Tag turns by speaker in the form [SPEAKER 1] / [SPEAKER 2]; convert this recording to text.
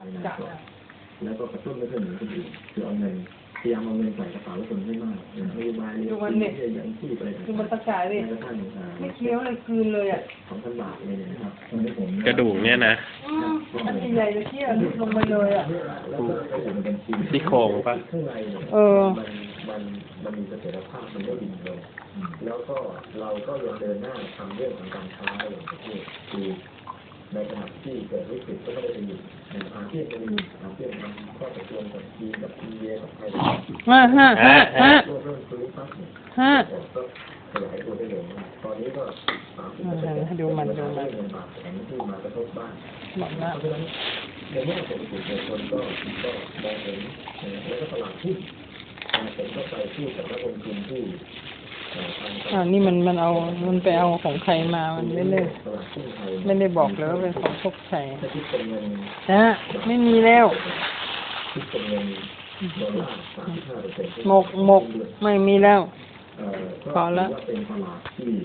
[SPEAKER 1] แล้วก็กระตุ้นไม่เพื่อนหรือคนอื่นคือเอาเงินพยายามเอาเงินใส่กระเป๋าคนให้มากนโยบายที่ยังที่ไป
[SPEAKER 2] คือมันตะกายเลยไม่เคี้ยวเลยคืนเลยอ่ะ
[SPEAKER 1] 2,000 บาทเลยนะครับตอนนี้ผม
[SPEAKER 3] กระดูกเนี่ยนะ
[SPEAKER 2] อันใหญ่ๆเลยที่ลุกลงไปเลยอ่ะ
[SPEAKER 3] ซี่โครงปะ
[SPEAKER 1] มันมีเสถียรภาพมันไม่ดิ่งลงแล้วก็เราก็ยังเดินหน้าทำเรื่องของการค้าระหว่างประเทศคือในขณะที่เกิดวิกฤตก็ไม่ได้ไปอยู่ในอาเซียนก็มีอาเซียนมันก็ตกลงกับจีนกับอินเดียกับไทยเรื่องคุยปั๊บเนี่ยก็ขยายตัวได้เร็วมากตอนนี้ก็30%
[SPEAKER 2] ดูมัน
[SPEAKER 1] เงินบาทแข็งที่มากระทบบ้านเพราะฉะนั้นในแง่เศรษฐกิจเนี่ยคนก็มองเห็นแล้วก็ตลาดหุ้นผมก็ไปพูดกับนักลงทุนที่
[SPEAKER 2] นี่มันไปเอาของใครมามันไม่ได้บอกเลยว่าเป็นของพวกใครนะไม่มีแล้วหมกไม่มีแล้วพอแล้ว